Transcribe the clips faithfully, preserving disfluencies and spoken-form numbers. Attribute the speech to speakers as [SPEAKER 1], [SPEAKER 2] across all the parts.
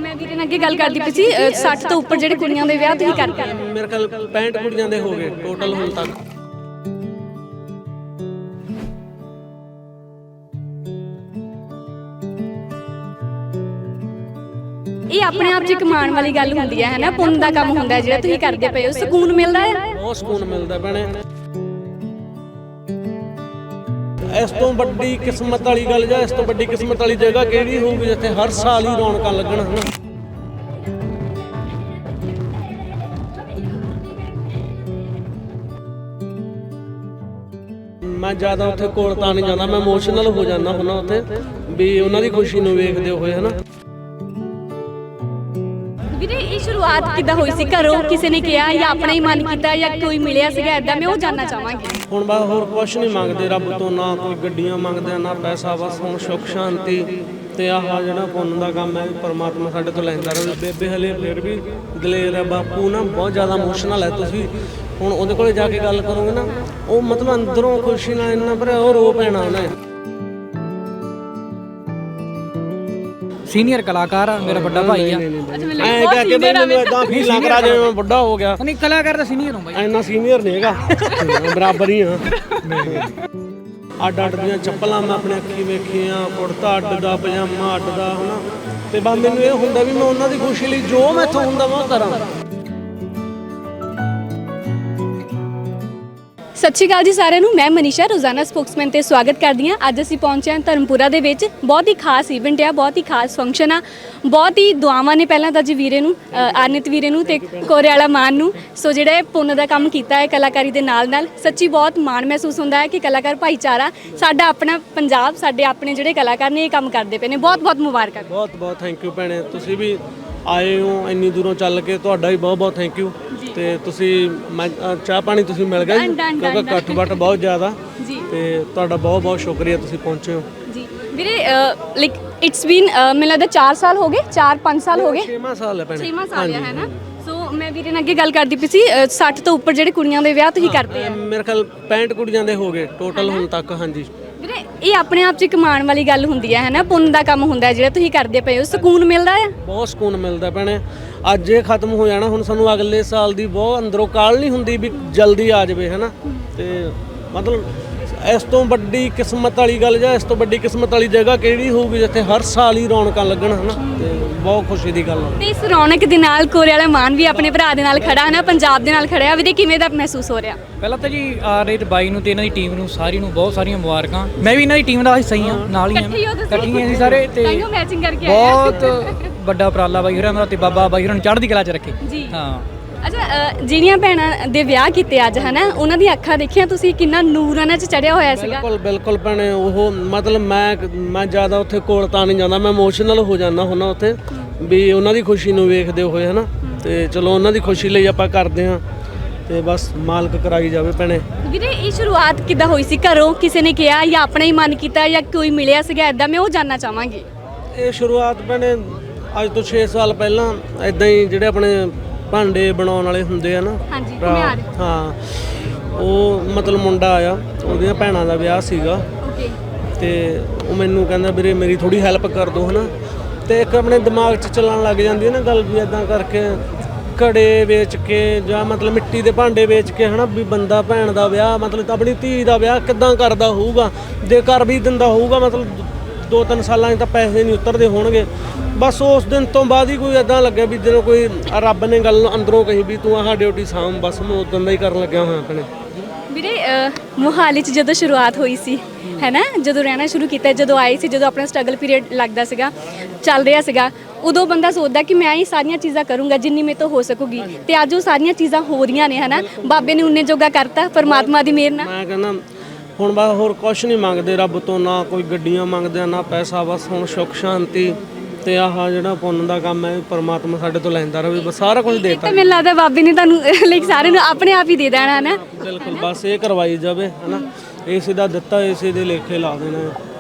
[SPEAKER 1] मैं ਵੀਰੇ ਨਾਲ ਅੱਗੇ ਗੱਲ ਕਰਦੀ ਪਈ ਸੀ साठ ਤੋਂ ਉੱਪਰ ਜਿਹੜੇ ਕੁੜੀਆਂ ਦੇ ਵਿਆਹ ਤੁਸੀਂ ਕਰਦੇ ਆ
[SPEAKER 2] ਮੇਰੇ ਕੋਲ पैंठ ਕੁੜੀਆਂ ਦੇ ਹੋ ਗਏ ਟੋਟਲ ਹੁਣ ਤੱਕ।
[SPEAKER 1] ਇਹ ਆਪਣੇ ਆਪ 'ਚ ਇੱਕ ਮਾਣ ਵਾਲੀ ਗੱਲ ਹੁੰਦੀ ਹੈ ਹਨਾ, ਪੁੰਨ ਦਾ ਕੰਮ ਹੁੰਦਾ ਜਿਹੜਾ ਤੁਸੀਂ ਕਰਦੇ ਪਏ ਹੋ, ਸਕੂਨ ਮਿਲਦਾ ਹੈ,
[SPEAKER 2] ਬਹੁਤ ਸਕੂਨ ਮਿਲਦਾ ਭੈਣੇ। ਇਸ ਤੋਂ ਵੱਡੀ ਕਿਸਮਤ ਵਾਲੀ ਗੱਲ ਜਾਂ ਇਸ ਤੋਂ ਵੱਡੀ ਕਿਸਮਤ ਵਾਲੀ ਜਗ੍ਹਾ ਕਿਹੜੀ ਹੋਊਗੀ ਜਿੱਥੇ ਹਰ ਸਾਲ ਹੀ ਰੌਣਕਾਂ ਲੱਗਣ ਹਨਾ। ਮੈਂ ਜ਼ਿਆਦਾ ਉੱਥੇ ਕੋਲ ਤਾਂ ਨਹੀਂ ਜਾਂਦਾ, ਮੈਂ ਇਮੋਸ਼ਨਲ ਹੋ ਜਾਂਦਾ ਹੁੰਦਾ ਉੱਥੇ ਵੀ ਉਹਨਾਂ ਦੀ ਖੁਸ਼ੀ ਨੂੰ ਵੇਖਦੇ ਹੋਏ ਹਨਾ।
[SPEAKER 1] ਵੀਰੇ ਇਹ ਸ਼ੁਰੂਆਤ ਕਿੱਦਾਂ ਹੋਈ ਸੀ, ਘਰੋਂ ਕਿਸੇ ਨੇ ਕਿਹਾ ਜਾਂ ਆਪਣਾ ਹੀ ਮਨ ਕੀਤਾ ਜਾਂ ਕੋਈ ਮਿਲਿਆ ਸੀਗਾ ਇਦਾਂ, ਮੈਂ ਉਹ ਜਾਨਣਾ ਚਾਹਾਂਗੀ।
[SPEAKER 2] ਹੁਣ ਬਸ ਹੋਰ ਕੁਛ ਨਹੀਂ ਮੰਗਦੇ ਰੱਬ ਤੋਂ, ਨਾ ਕੋਈ ਗੱਡੀਆਂ ਮੰਗਦੇ ਨਾ ਪੈਸਾ, ਬਸ ਹੁਣ ਸੁੱਖ ਸ਼ਾਂਤੀ ਤੇ ਆਹ ਜਿਹੜਾ ਪੁੰਨ ਦਾ ਕੰਮ ਹੈ ਪਰਮਾਤਮਾ ਸਾਡੇ ਤੋਂ ਲੈਂਦਾ ਰਹੇ। ਬੇਬੇ ਹਲੇ ਫਿਰ ਵੀ ਦਲੇਰ ਹੈ, ਬਾਪੂ ਨਾ ਬਹੁਤ ਜ਼ਿਆਦਾ ਇਮੋਸ਼ਨਲ ਹੈ। ਤੁਸੀਂ ਹੁਣ ਉਹਦੇ ਕੋਲੇ ਜਾ ਕੇ ਗੱਲ ਕਰੋਗੇ ਨਾ, ਉਹ ਮਤਲਬ ਅੰਦਰੋਂ ਖੁਸ਼ੀ ਨਾਲ ਇੰਨਾ ਭਰਿਆ ਉਹ ਰੋ ਪੈਣਾ ਉਹਨੇ।
[SPEAKER 3] ਸੀਨੀਅਰ ਕਲਾਕਾਰ ਆ, ਮੇਰਾ ਵੱਡਾ ਭਾਈ ਆ।
[SPEAKER 2] ਐਂ ਕਹਿ ਕੇ ਮੈਨੂੰ ਇਦਾਂ ਫੀਲ ਲੱਗ ਰਿਹਾ ਜਿਵੇਂ ਮੈਂ ਵੱਡਾ ਹੋ ਗਿਆ।
[SPEAKER 3] ਨਹੀਂ, ਕਲਾਕਾਰ ਦਾ ਸੀਨੀਅਰ ਹਾਂ ਬਾਈ,
[SPEAKER 2] ਇੰਨਾ ਸੀਨੀਅਰ ਨਹੀਂ ਹੈਗਾ, ਬਰਾਬਰ ਹੀ ਆ। ਅੱਡ ਅੱਡ ਦੀਆਂ ਚੱਪਲਾਂ ਮੈਂ ਆਪਣੇ ਅੱਖੀ ਵੇਖੀਆਂ, ਕੁੜਤਾ ਅੱਡ ਦਾ, ਪਜਾਮਾ ਅੱਡ ਦਾ ਹਨਾ। ਤੇ ਬਸ ਮੈਨੂੰ ਇਹ ਹੁੰਦਾ ਵੀ ਮੈਂ ਉਹਨਾਂ ਦੀ ਖੁਸ਼ੀ ਲਈ ਜੋ ਮੈਥੋਂ ਹੁੰਦਾ ਮੈਂ ਉਹ ਕਰਾਂ।
[SPEAKER 1] ਸਤਿ ਸ਼੍ਰੀ ਅਕਾਲ ਜੀ ਸਾਰਿਆਂ ਨੂੰ, ਮੈਂ ਮਨੀਸ਼ਾ ਰੋਜ਼ਾਨਾ ਸਪੋਕਸਮੈਨ ਤੇ ਸਵਾਗਤ ਕਰਦੀ ਹਾਂ। ਅੱਜ ਅਸੀਂ ਪਹੁੰਚੇ ਹਾਂ ਧਰਮਪੁਰਾ ਦੇ ਵਿੱਚ। ਬਹੁਤ ਹੀ ਖਾਸ ਇਵੈਂਟ ਆ, ਬਹੁਤ ਹੀ ਖਾਸ ਫੰਕਸ਼ਨ ਆ, ਬਹੁਤ ਹੀ ਦੁਆਵਾਂ ਨੇ ਪਹਿਲਾਂ ਤਾਂ ਜੀ ਵੀਰੇ ਨੂੰ, ਆਨਿਤ ਵੀਰੇ ਨੂੰ ਤੇ ਕੋਰੇ ਵਾਲਾ ਮਾਨ ਨੂੰ। ਸੋ ਜਿਹੜਾ ਇਹ ਪੁੰਨ ਦਾ ਕੰਮ ਕੀਤਾ ਹੈ ਕਲਾਕਾਰੀ ਦੇ ਨਾਲ ਨਾਲ, ਸੱਚੀ ਬਹੁਤ ਮਾਣ ਮਹਿਸੂਸ ਹੁੰਦਾ ਹੈ ਕਿ ਕਲਾਕਾਰ ਭਾਈਚਾਰਾ ਸਾਡਾ ਆਪਣਾ ਪੰਜਾਬ, ਸਾਡੇ ਆਪਣੇ ਜਿਹੜੇ ਕਲਾਕਾਰ ਨੇ ਇਹ ਕੰਮ ਕਰਦੇ ਪਏ ਨੇ। ਬਹੁਤ ਬਹੁਤ ਮੁਬਾਰਕਾਂ।
[SPEAKER 2] ਬਹੁਤ ਬਹੁਤ ਥੈਂਕ ਯੂ ਭੈਣੇ, ਤੁਸੀਂ ਵੀ ਆਏ ਹੋ ਇੰਨੀ ਦੂਰੋਂ ਚੱਲ ਕੇ, ਤੁਹਾਡਾ ਵੀ ਬਹੁਤ ਬਹੁਤ ਥੈਂਕ ਯੂ। ਤੇ ਤੁਸੀਂ ਮੈਂ ਚਾਹ ਪਾਣੀ ਤੁਸੀਂ ਮਿਲ ਗਿਆ ਕਿਉਂਕਿ ਇਕੱਠ ਬੱਟ ਬਹੁਤ ਜ਼ਿਆਦਾ
[SPEAKER 1] ਜੀ, ਤੇ
[SPEAKER 2] ਤੁਹਾਡਾ ਬਹੁਤ ਬਹੁਤ ਸ਼ੁਕਰੀਆ, ਤੁਸੀਂ ਪਹੁੰਚੇ ਹੋ
[SPEAKER 1] ਜੀ ਵੀਰੇ। ਲਾਈਕ ਇਟਸ ਬੀਨ ਮੈਨੂੰ ਲੱਗਦਾ ਚਾਰ ਸਾਲ ਹੋ ਗਏ, ਚਾਰ ਪੰਜ ਸਾਲ ਹੋ ਗਏ,
[SPEAKER 2] ਛੇਵਾਂ ਸਾਲ ਹੈ ਭੈਣੇ,
[SPEAKER 1] ਛੇਵਾਂ ਸਾਲ ਹੈ ਨਾ। ਸੋ ਮੈਂ ਵੀਰੇ ਨਾਲ ਅੱਗੇ ਗੱਲ ਕਰਦੀ ਪਈ ਸੀ साठ ਤੋਂ ਉੱਪਰ ਜਿਹੜੇ ਕੁੜੀਆਂ ਦੇ ਵਿਆਹ ਤੁਸੀਂ ਕਰਦੇ ਆ
[SPEAKER 2] ਮੇਰੇ ਕੋਲ पैंठ ਕੁੜੀਆਂ ਦੇ ਹੋ ਗਏ ਟੋਟਲ ਹੁਣ ਤੱਕ। ਹਾਂਜੀ
[SPEAKER 1] ਵੀਰੇ ਇਹ ਆਪਣੇ ਆਪ 'ਚ ਇੱਕ ਮਾਣ ਵਾਲੀ ਗੱਲ ਹੁੰਦੀ ਹੈ ਹਨਾ, ਪੁੰਨ ਦਾ ਕੰਮ ਹੁੰਦਾ ਜਿਹੜਾ ਤੁਸੀਂ ਕਰਦੇ ਪਏ ਹੋ, ਸਕੂਨ ਮਿਲਦਾ ਹੈ,
[SPEAKER 2] ਬਹੁਤ ਸਕੂਨ ਮਿਲਦਾ ਭੈਣੇ। ਅੱਜ ਇਹ ਖਤਮ ਹੋ ਜਾਣਾ, ਹੁਣ ਸਾਨੂੰ ਅਗਲੇ ਸਾਲ ਦੀ ਬਹੁਤ ਅੰਦਰੋਂ ਕਾਹਲ ਨਹੀਂ ਹੁੰਦੀ ਵੀ ਜਲਦੀ ਆ ਜਾਵੇ ਹਨਾ। ਤੇ ਮਤਲਬ ਇਸ ਤੋਂ ਵੱਡੀ ਕਿਸਮਤ ਵਾਲੀ ਗੱਲ ਜਾਂ ਇਸ ਤੋਂ ਵੱਡੀ ਕਿਸਮਤ ਵਾਲੀ ਜਗ੍ਹਾ ਕਿਹੜੀ ਹੋਊਗੀ ਜਿੱਥੇ ਹਰ ਸਾਲ ਹੀ ਰੌਣਕਾਂ ਲੱਗਣ ਹਨਾ। ਤੇ ਬਹੁਤ ਖੁਸ਼ੀ ਦੀ ਗੱਲ ਹੈ।
[SPEAKER 1] ਤੇ ਇਸ ਰੌਣਕ ਦੇ ਨਾਲ ਕੋਰੇ ਵਾਲਾ ਮਾਨ ਵੀ ਆਪਣੇ ਭਰਾ ਦੇ ਨਾਲ ਖੜਾ ਹੈ ਨਾ, ਪੰਜਾਬ ਦੇ ਨਾਲ ਖੜਿਆ। ਵੀਰੇ ਕਿਵੇਂ ਦਾ ਮਹਿਸੂਸ ਹੋ ਰਿਹਾ?
[SPEAKER 3] ਪਹਿਲਾਂ ਤਾਂ ਜੀ ਆਰ ਰੇਟ ਬਾਈ ਨੂੰ ਤੇ ਇਹਨਾਂ ਦੀ ਟੀਮ ਨੂੰ ਸਾਰੀ ਨੂੰ ਬਹੁਤ ਸਾਰੀਆਂ ਮੁਬਾਰਕਾਂ। ਮੈਂ ਵੀ ਇਹਨਾਂ ਦੀ ਟੀਮ ਦਾ ਹਿੱਸਾ ਹੀ ਹਾਂ, ਨਾਲ ਹੀ ਹਾਂ, ਇਕੱਠੀਆਂ ਸੀ ਸਾਰੇ। ਤੇ
[SPEAKER 1] ਮੈਚਿੰਗ ਕਰਕੇ
[SPEAKER 3] ਬਹੁਤ ਵੱਡਾ ਉਪਰਾਲਾ ਬਾਈ ਹੋਰਾਂ ਦਾ, ਤੇ ਬਾਬਾ ਬਾਈ ਹੋਰਾਂ ਨੂੰ ਚੜ੍ਹਦੀ ਕਲਾ 'ਚ ਰੱਖੇ
[SPEAKER 1] ਜੀ।
[SPEAKER 3] ਹਾਂ।
[SPEAKER 1] ਅੱਛਾ, ਜਿਹੜੀਆਂ ਭੈਣਾਂ ਦੇ ਵਿਆਹ ਕੀਤੇ ਅੱਜ ਹਨਾ, ਉਹਨਾਂ ਦੀ ਅੱਖਾਂ ਦੇਖੀਆਂ ਤੁਸੀਂ, ਕਿੰਨਾ ਨੂਰ ਉਹਨਾਂ 'ਚ ਚੜਿਆ ਹੋਇਆ ਸੀਗਾ।
[SPEAKER 2] ਬਿਲਕੁਲ ਬਿਲਕੁਲ ਭੈਣੇ, ਉਹ ਮਤਲਬ ਮੈਂ ਮੈਂ ਜ਼ਿਆਦਾ ਉੱਥੇ ਕੋਲ ਤਾਂ ਨਹੀਂ ਜਾਂਦਾ, ਮੈਂ ਇਮੋਸ਼ਨਲ ਹੋ ਜਾਂਦਾ ਹੁੰਦਾ ਉੱਥੇ ਵੀ ਉਹਨਾਂ ਦੀ ਖੁਸ਼ੀ ਨੂੰ ਵੇਖਦੇ ਹੋਏ ਹਨਾ। ਤੇ ਚਲੋ ਉਹਨਾਂ ਦੀ ਖੁਸ਼ੀ ਲਈ ਆਪਾਂ ਕਰਦੇ ਹਾਂ, ਤੇ ਬਸ ਮਾਲਕ ਕਰਾਈ ਜਾਵੇ ਭੈਣੇ।
[SPEAKER 1] ਵੀਰੇ ਇਹ ਸ਼ੁਰੂਆਤ ਕਿੱਦਾਂ ਹੋਈ ਸੀ, ਘਰੋਂ ਕਿਸੇ ਨੇ ਕਿਹਾ ਜਾਂ ਆਪਣਾ ਹੀ ਮਨ ਕੀਤਾ ਜਾਂ ਕੋਈ ਮਿਲਿਆ ਸੀਗਾ ਇਦਾਂ, ਮੈਂ ਉਹ ਜਾਨਣਾ ਚਾਹਾਂਗੀ।
[SPEAKER 2] ਇਹ ਸ਼ੁਰੂਆਤ ਭੈਣੇ ਅੱਜ ਤੋਂ ਛੇ ਸਾਲ ਪਹਿਲਾਂ ਇਦਾਂ ਹੀ ਜਿਹੜੇ ਆਪਣੇ ਭਾਂਡੇ ਬਣਾਉਣ ਵਾਲੇ ਹੁੰਦੇ ਆ ਨਾ,
[SPEAKER 1] ਹਾਂਜੀ,
[SPEAKER 2] ਹਾਂ, ਉਹ ਮਤਲਬ ਮੁੰਡਾ ਆਇਆ, ਉਹਦੀਆਂ ਭੈਣਾਂ ਦਾ ਵਿਆਹ ਸੀਗਾ।
[SPEAKER 1] ਓਕੇ।
[SPEAKER 2] ਤੇ ਉਹ ਮੈਨੂੰ ਕਹਿੰਦਾ ਵੀਰੇ ਮੇਰੀ ਥੋੜੀ ਹੈਲਪ ਕਰ ਦੋ ਹਨਾ। ਤੇ ਇੱਕ ਆਪਣੇ ਦਿਮਾਗ 'ਚ ਚੱਲਣ ਲੱਗ ਜਾਂਦੀ ਹੈ ਨਾ ਗੱਲ ਵੀ ਇਦਾਂ ਕਰਕੇ ਘੜੇ ਵੇਚ ਕੇ ਜਾਂ ਮਤਲਬ ਮਿੱਟੀ ਦੇ ਭਾਂਡੇ ਵੇਚ ਕੇ ਹਨਾ, ਵੀ ਬੰਦਾ ਭੈਣ ਦਾ ਵਿਆਹ ਮਤਲਬ ਆਪਣੀ ਧੀ ਦਾ ਵਿਆਹ ਕਿੱਦਾਂ ਕਰਦਾ ਹੋਊਗਾ, ਜੇ ਕਰ ਵੀ ਦਿੰਦਾ ਹੋਊਗਾ ਮਤਲਬ ਦੋ ਤਿੰਨ ਸਾਲਾਂ 'ਚ ਤਾਂ ਪੈਸੇ ਨਹੀਂ ਉਤਰਦੇ ਹੋਣਗੇ। ਬਸ ਉਸ ਦਿਨ ਤੋਂ ਬਾਅਦ ਹੀ ਕੋਈ ਇੱਦਾਂ ਲੱਗਿਆ ਵੀ ਜਦੋਂ ਕੋਈ ਰੱਬ ਨੇ ਗੱਲ ਅੰਦਰੋਂ ਕਹੀ ਵੀ ਤੂੰ ਆਹ ਡਿਊਟੀ ਸਾਂਭ, ਬਸ ਮੈਂ ਉਦੋਂ ਦਾ ਹੀ ਕਰਨ ਲੱਗਿਆ ਹੋਇਆ ਆਪਣੇ।
[SPEAKER 1] ਵੀਰੇ ਮੋਹਾਲੀ 'ਚ ਜਦੋਂ ਸ਼ੁਰੂਆਤ ਹੋਈ ਸੀ ਹੈ ਨਾ, ਜਦੋਂ ਰਹਿਣਾ ਸ਼ੁਰੂ ਕੀਤਾ, ਜਦੋਂ ਆਏ ਸੀ, ਜਦੋਂ ਆਪਣਾ ਸਟਰਗਲ ਪੀਰੀਅਡ ਲੱਗਦਾ ਸੀਗਾ, ਚੱਲ ਰਿਹਾ ਸੀਗਾ, ਉਦੋਂ ਬੰਦਾ ਸੋਚਦਾ ਕਿ ਮੈਂ ਇਹ ਸਾਰੀਆਂ ਚੀਜ਼ਾਂ ਕਰੂੰਗਾ ਜਿੰਨੀ ਮੇਰੇ ਤੋਂ ਹੋ ਸਕੂਗੀ। ਤੇ ਅੱਜ ਉਹ ਸਾਰੀਆਂ ਚੀਜ਼ਾਂ ਹੋ ਰਹੀਆਂ ਨੇ ਹਨਾ, ਬਾਬੇ ਨੇ ਉਨੇ ਜੋਗਾ ਕਰਤਾ ਪਰਮਾਤਮਾ ਦੀ ਮਿਹਰ ਨਾਲ।
[SPEAKER 2] ਮੈਂ ਕਹਿੰਦਾ ਹੁਣ ਬਸ ਹੋਰ ਕੁਛ ਨਹੀਂ ਮੰਗਦੇ ਰੱਬ ਤੋਂ, ਨਾ ਕੋਈ ਗੱਡੀਆਂ ਮੰਗਦੇ ਨਾ ਪੈਸਾ, ਬਸ ਹੁਣ ਸੁੱਖ ਸ਼ਾਂਤੀ ਤੇ ਆਹ ਜਿਹੜਾ ਪੁੰਨ ਦਾ ਕੰਮ ਹੈ ਪਰਮਾਤਮਾ ਸਾਡੇ ਤੋਂ ਲੈਂਦਾ ਰਹੇ। ਬਸ ਸਾਰਾ ਕੁਝ ਦੇਤਾ।
[SPEAKER 1] ਮੈਨੂੰ ਲੱਗਦਾ ਬਾਬੇ ਨੇ ਤੁਹਾਨੂੰ ਲਾਈਕ ਸਾਰਿਆਂ ਨੂੰ ਆਪਣੇ ਆਪ ਹੀ ਦੇ ਦੇਣਾ ਹੈ ਨਾ।
[SPEAKER 2] ਬਿਲਕੁਲ, ਬਸ ਇਹ ਕਰਵਾਈ ਜਾਵੇ ਹਨਾ, ਇਸੇ ਦਾ ਦਿੱਤਾ ਇਸੇ ਦੇ ਲੇਖੇ ਲਾ ਦੇਣਾ।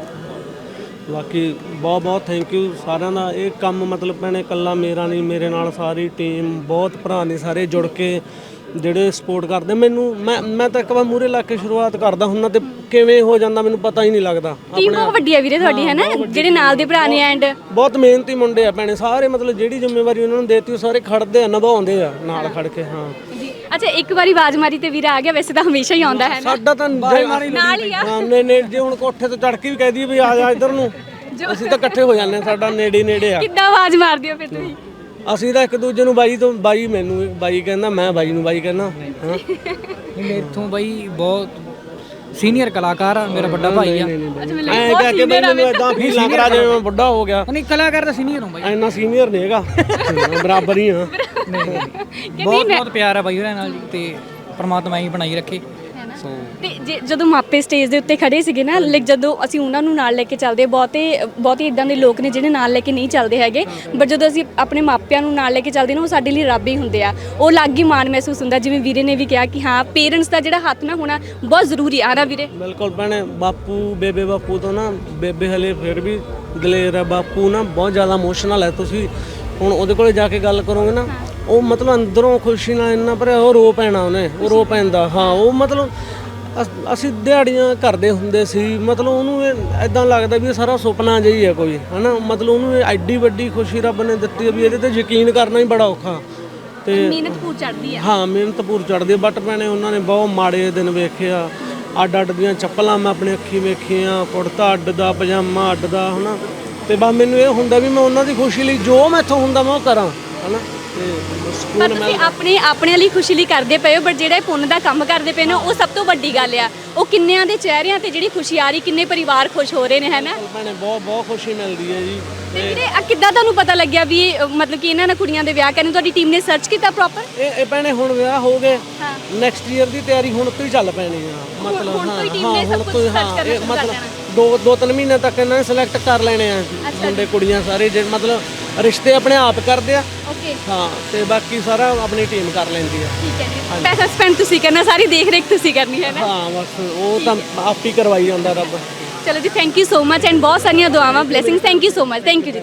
[SPEAKER 2] ਬਾਕੀ ਬਹੁਤ ਬਹੁਤ ਥੈਂਕ ਯੂ ਸਾਰਿਆਂ ਦਾ। ਇਹ ਕੰਮ ਮਤਲਬ ਭੈਣੇ ਇਕੱਲਾ ਮੇਰਾ ਨਹੀਂ, ਮੇਰੇ ਨਾਲ ਸਾਰੀ ਟੀਮ, ਬਹੁਤ ਭਰਾ ਨੇ ਸਾਰੇ ਜੁੜ ਕੇ ਜਿਹੜੇ ਸਪੋਰਟ ਕਰਦੇ ਮੈਨੂੰ। ਮੈਂ ਮੈਂ ਤਾਂ ਇੱਕ ਵਾਰ ਮੂਰੇ ਲਾ ਕੇ ਸ਼ੁਰੂਆਤ ਕਰਦਾ ਹੁੰਦਾ ਤੇ ਕਿਵੇਂ ਹੋ ਜਾਂਦਾ ਮੈਨੂੰ ਪਤਾ ਹੀ ਨਹੀਂ ਲੱਗਦਾ।
[SPEAKER 1] ਟੀਮ ਬਹੁਤ ਵੱਡੀ ਹੈ ਵੀਰੇ ਤੁਹਾਡੀ, ਹੈ ਨਾ, ਜਿਹੜੇ ਨਾਲ ਦੇ ਭਰਾ ਨੇ ਐਂਡ
[SPEAKER 2] ਬਹੁਤ ਮਿਹਨਤੀ ਮੁੰਡੇ ਆ ਭੈਣੇ ਸਾਰੇ, ਮਤਲਬ ਜਿਹੜੀ ਜ਼ਿੰਮੇਵਾਰੀ ਉਹਨਾਂ ਨੂੰ ਦੇਤੀ ਉਹ ਸਾਰੇ ਖੜਦੇ ਆ, ਨਿਭਾਉਂਦੇ ਆ ਨਾਲ ਖੜ ਕੇ। ਹਾਂ
[SPEAKER 1] ਜੀ ਅੱਛਾ, ਇੱਕ ਵਾਰੀ ਆਵਾਜ਼ ਮਾਰੀ ਤੇ ਵੀਰਾ ਆ ਗਿਆ, ਵੈਸੇ ਤਾਂ ਹਮੇਸ਼ਾ ਹੀ ਆਉਂਦਾ ਹੈ ਨਾ।
[SPEAKER 2] ਸਾਡਾ ਤਾਂ
[SPEAKER 1] ਨਾਲ ਹੀ ਆ।
[SPEAKER 2] ਹਾਂ ਨੇ ਨੇ ਜੇ ਹੁਣ ਕੋਠੇ ਤੋਂ ਚੜ ਕੇ ਵੀ ਕਹਿ ਦਈਏ ਵੀ ਆ ਜਾ ਇੱਧਰ ਨੂੰ, ਅਸੀਂ ਤਾਂ ਇਕੱਠੇ ਹੋ ਜਾਂਦੇ ਆ, ਸਾਡਾ ਨੇੜੇ ਨੇੜੇ ਆ।
[SPEAKER 1] ਕਿੱਦਾਂ ਆਵਾਜ਼ ਮਾਰਦੇ ਹੋ ਫਿਰ ਤੁਸੀਂ?
[SPEAKER 2] ਅਸੀਂ ਤਾਂ ਇੱਕ ਦੂਜੇ ਨੂੰ ਬਾਈ ਤੋਂ ਬਾਈ, ਮੈਨੂੰ ਬਾਈ ਕਹਿੰਦਾ, ਮੈਂ ਬਾਈ ਨੂੰ ਬਾਈ ਕਹਿੰਦਾ। ਹਾਂ
[SPEAKER 3] ਮੇਥੋਂ ਬਾਈ ਬਹੁਤ ਸੀਨੀਅਰ ਕਲਾਕਾਰ ਆ, ਮੇਰਾ ਵੱਡਾ ਭਾਈ ਆ।
[SPEAKER 1] ਅੱਛਾ ਮੈਨੂੰ
[SPEAKER 2] ਐਂ ਕਹਿ ਕੇ ਮੈਨੂੰ ਇਦਾਂ ਫੀਲ ਲੱਗ ਰਿਹਾ ਜਿਵੇਂ ਮੈਂ ਵੱਡਾ ਹੋ ਗਿਆ।
[SPEAKER 3] ਨਹੀਂ ਕਲਾਕਾਰ ਦਾ ਸੀਨੀਅਰ ਹਾਂ ਬਾਈ,
[SPEAKER 2] ਇੰਨਾ ਸੀਨੀਅਰ ਨਹੀਂ ਹੈਗਾ, ਬਰਾਬਰ ਹੀ ਆ।
[SPEAKER 3] ਬਹੁਤ ਬਹੁਤ ਪਿਆਰ ਆ ਬਾਈ ਉਹਨਾਂ ਨਾਲ ਜੀ, ਤੇ ਪ੍ਰਮਾਤਮਾ ਹੀ ਬਣਾਈ ਰੱਖੇ। ਸੋ
[SPEAKER 1] ਤੇ ਜੇ ਜਦੋਂ ਮਾਪੇ ਸਟੇਜ ਦੇ ਉੱਤੇ ਖੜੇ ਸੀਗੇ ਨਾ, ਲਾਈਕ ਜਦੋਂ ਅਸੀਂ ਉਹਨਾਂ ਨੂੰ ਨਾਲ ਲੈ ਕੇ ਚੱਲਦੇ, ਬਹੁਤੇ ਬਹੁਤੇ ਇਦਾਂ ਦੇ ਲੋਕ ਨੇ ਜਿਹੜੇ ਨਾਲ ਲੈ ਕੇ ਨਹੀਂ ਚੱਲਦੇ ਹੈਗੇ, ਬਟ ਜਦੋਂ ਅਸੀਂ ਆਪਣੇ ਮਾਪਿਆਂ ਨੂੰ ਨਾਲ ਲੈ ਕੇ ਚੱਲਦੇ ਨਾ, ਉਹ ਸਾਡੇ ਲਈ ਰੱਬ ਹੀ ਹੁੰਦੇ ਆ। ਉਹ ਅਲੱਗ ਹੀ ਮਾਣ ਮਹਿਸੂਸ ਹੁੰਦਾ, ਜਿਵੇਂ ਵੀਰੇ ਨੇ ਵੀ ਕਿਹਾ ਕਿ ਹਾਂ ਪੇਰੈਂਟਸ ਦਾ ਜਿਹੜਾ ਹੱਥ ਨਾ ਹੋਣਾ ਬਹੁਤ ਜ਼ਰੂਰੀ ਆ ਨਾ ਵੀਰੇ।
[SPEAKER 2] ਬਿਲਕੁਲ ਭੈਣੇ, ਬਾਪੂ ਬੇਬੇ ਬਾਪੂ ਤੋਂ ਨਾ, ਬੇਬੇ ਹਲੇ ਫਿਰ ਵੀ ਦਲੇਰ ਹੈ, ਬਾਪੂ ਨਾ ਬਹੁਤ ਜ਼ਿਆਦਾ ਇਮੋਸ਼ਨਲ ਹੈ। ਤੁਸੀਂ ਹੁਣ ਉਹਦੇ ਕੋਲੇ ਜਾ ਕੇ ਗੱਲ ਕਰੋਗੇ ਨਾ, ਉਹ ਮਤਲਬ ਅੰਦਰੋਂ ਖੁਸ਼ੀ ਨਾਲ ਇੰਨਾ ਭਰਿਆ, ਉਹ ਰੋ ਪੈਣਾ ਉਹਨੇ, ਉਹ ਰੋ ਪੈਂਦਾ। ਹਾਂ ਉਹ ਮਤਲਬ ਅਸ- ਅਸੀਂ ਦਿਹਾੜੀਆਂ ਕਰਦੇ ਹੁੰਦੇ ਸੀ, ਮਤਲਬ ਉਹਨੂੰ ਐਦਾਂ ਲੱਗਦਾ ਵੀ ਇਹ ਸਾਰਾ ਸੁਪਨਾ ਜਿਹਾ ਹੀ ਹੈ ਕੋਈ, ਹਨਾ। ਮਤਲਬ ਉਹਨੂੰ ਇਹ ਐਡੀ ਵੱਡੀ ਖੁਸ਼ੀ ਰੱਬ ਨੇ ਦਿੱਤੀ ਹੈ ਵੀ ਇਹਦੇ ਤੇ ਯਕੀਨ ਕਰਨਾ ਹੀ ਬੜਾ ਔਖਾ। ਤੇ
[SPEAKER 1] ਮਿਹਨਤ ਪੂਰ ਚੜਦੀ ਆ।
[SPEAKER 2] ਹਾਂ ਮਿਹਨਤ ਪੂਰ ਚੜਦੀ, ਬਟ ਭੈਣੇ ਉਹਨਾਂ ਨੇ ਬਹੁਤ ਮਾੜੇ ਦਿਨ ਵੇਖਿਆ। ਅੱਡ ਅੱਡ ਦੀਆਂ ਚੱਪਲਾਂ ਮੈਂ ਆਪਣੀ ਅੱਖੀ ਵੇਖੀਆਂ, ਕੁੜਤਾ ਅੱਡ ਦਾ, ਪਜਾਮਾ ਅੱਡ ਦਾ, ਹਨਾ। ਤੇ ਬਸ ਮੈਨੂੰ ਇਹ ਹੁੰਦਾ ਵੀ ਮੈਂ ਉਹਨਾਂ ਦੀ ਖੁਸ਼ੀ ਲਈ ਜੋ ਮੈਥੋਂ ਹੁੰਦਾ ਮੈਂ ਉਹ ਕਰਾਂ, ਹਨਾ। ਤੇ
[SPEAKER 1] ਪਰ
[SPEAKER 2] ਸਕੂਨ
[SPEAKER 1] ਤੁਸੀਂ ਆਪਣੇ ਆਪਣੇ ਲਈ ਖੁਸ਼ੀ ਲਈ ਕਰਦੇ ਪਏ ਹੋ, ਬਟ ਜਿਹੜਾ ਇਹ ਪੁੰਨ ਦਾ ਕੰਮ ਕਰਦੇ ਪਏ ਨੇ ਉਹ ਸਭ ਤੋਂ ਵੱਡੀ ਗੱਲ ਆ। ਉਹ ਕਿੰਨਿਆਂ ਦੇ ਚਿਹਰਿਆਂ ਤੇ ਜਿਹੜੀ ਖੁਸ਼ੀ ਆ ਰਹੀ, ਕਿੰਨੇ ਪਰਿਵਾਰ ਖੁਸ਼ ਹੋ ਰਹੇ ਨੇ, ਹੈ ਨਾ।
[SPEAKER 2] ਭੈਣੇ ਬਹੁਤ ਬਹੁਤ ਖੁਸ਼ੀ ਮਿਲਦੀ ਹੈ ਜੀ।
[SPEAKER 1] ਤੇ ਵੀਰੇ ਆ ਕਿੱਦਾਂ ਤੁਹਾਨੂੰ ਪਤਾ ਲੱਗਿਆ ਵੀ ਇਹ, ਮਤਲਬ ਕਿ ਇਹਨਾਂ ਨਾਲ ਕੁੜੀਆਂ ਦੇ ਵਿਆਹ ਕਰਨੇ, ਤੁਹਾਡੀ ਟੀਮ ਨੇ ਸਰਚ ਕੀਤਾ ਪ੍ਰੋਪਰ?
[SPEAKER 2] ਇਹ ਇਹ ਭੈਣੇ ਹੁਣ ਵਿਆਹ ਹੋ ਗਏ,
[SPEAKER 1] ਹਾਂ।
[SPEAKER 2] ਨੈਕਸਟ ਈਅਰ ਦੀ ਤਿਆਰੀ ਹੁਣ ਤੋਂ ਹੀ ਚੱਲ ਪੈਣੀ ਆ। ਮਤਲਬ
[SPEAKER 1] ਹੁਣ ਤੋਂ ਹੀ
[SPEAKER 2] ਹਾਂ
[SPEAKER 1] team
[SPEAKER 2] ਹਾਂ
[SPEAKER 1] ਨੇ ਸਭ
[SPEAKER 2] ਹੁਣ
[SPEAKER 1] ਕੁਛ
[SPEAKER 2] ਤੋਂ ਹੀ,
[SPEAKER 1] search
[SPEAKER 2] ਹਾਂ
[SPEAKER 1] ਕਰਨਾ
[SPEAKER 2] ਇਹ
[SPEAKER 1] ਸ਼ੁਰੂ ਕਰ
[SPEAKER 2] ਮਤਲਬ
[SPEAKER 1] ਦੇਣਾ।
[SPEAKER 2] ਦੋ ਦੋ ਤਿੰਨ ਮਹੀਨੇ ਤੱਕ ਇਹਨਾਂ ਨੇ ਸਿਲੈਕਟ ਕਰ ਲੈਣੇ ਆ ਮੁੰਡੇ ਕੁੜੀਆਂ ਸਾਰੇ, ਜੇ ਮਤਲਬ ਰਿਸ਼ਤੇ ਆਪਣੇ ਆਪ ਕਰਦੇ ਆ।
[SPEAKER 1] ਓਕੇ
[SPEAKER 2] ਹਾਂ ਤੇ ਬਾਕੀ ਸਾਰਾ ਆਪਣੀ ਟੀਮ ਕਰ ਲੈਂਦੀ ਆ।
[SPEAKER 1] ਠੀਕ ਹੈ ਜੀ, ਪੈਸਾ ਸਪੈਂਡ ਤੁਸੀਂ ਕਰਨਾ, ਸਾਰੀ ਦੇਖ ਰੇਖ ਤੁਸੀਂ ਕਰਨੀ ਹੈ ਨਾ।
[SPEAKER 2] ਹਾਂ ਬਸ ਉਹ ਤਾਂ ਆਪ ਹੀ ਕਰਵਾਈ ਜਾਂਦਾ ਰੱਬ।
[SPEAKER 1] ਚਲੋ ਜੀ, thank you so much and ਬਹੁਤ ਸਾਰੀਆਂ ਦੁਆਵਾਂ, blessings. Thank you so much, thank you ਜੀ।